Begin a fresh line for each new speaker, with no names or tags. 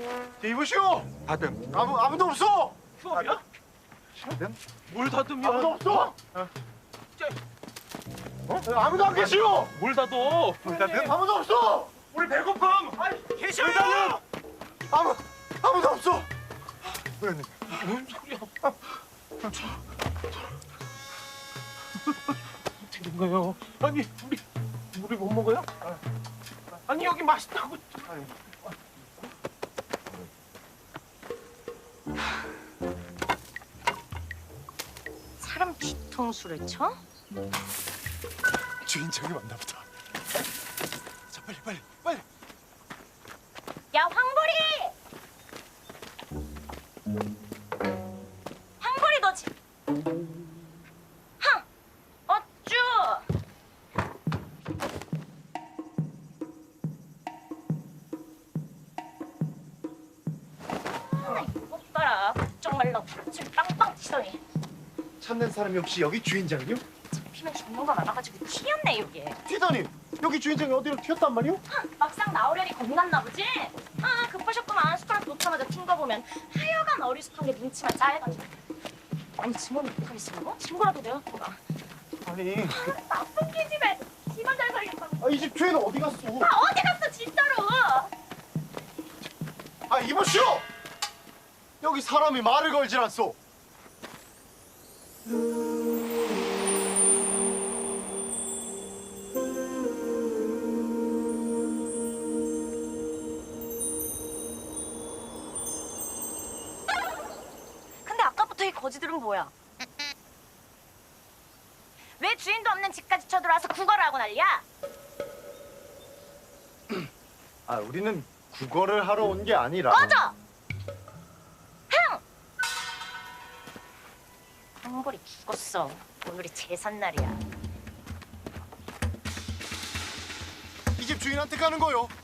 이보시오.
다듬.
아무도 없어.
휴업이야?
다듬?
뭘 다듬이야?
아무도 없어.
쟤,
아무도 안 계시오.
뭘 다듬?
다듬?
아무도 없어.
우리 배고픔! 아이, 계셔요!
아무도 없어.
회원님.
뭔 소리야? 어떻게 된 거예요? 아니, 우리 못 먹어요? 아니, 여기 맛있다고.
사람 뒤통수를 쳐?
주인장이 왔나 보다. 자, 빨리.
야, 황보리! 황보리 너 흥! 어쭈! 이것 봐라. 걱정 말라고 술 빵빵 치더니
찾는 사람이 혹시 여기 주인장이요?
잡히면 죽는 거 많아가지고 튀었네 여기.
튀다니. 여기 주인장이 어디로 튀었단 말이오?
막상 나오려니 겁났나 보지? 아 급하셨구만. 숟가락 놓자마자 튄 거 보면 하여간 어리숙한 게 눈치만 짜해가지고. 아니 증언을 못하겠어? 친구라도 내가 보라.
아니,
나쁜 기집애. 지만 잘 살겠다고.
이 집 주인은 어디 갔어?
아 어디 갔어 진짜로?
이보시오. 여기 사람이 말을 걸질 않소.
근데 아까부터 이 거지들은 뭐야? 왜 주인도 없는 집까지 쳐들어와서 구걸을 하고 난리야?
우리는 국어를 하러 온 게 아니라.
꺼져! 흥! 황보리 죽었어. 오늘이 제삿날이야.
이 집 주인한테 가는 거요.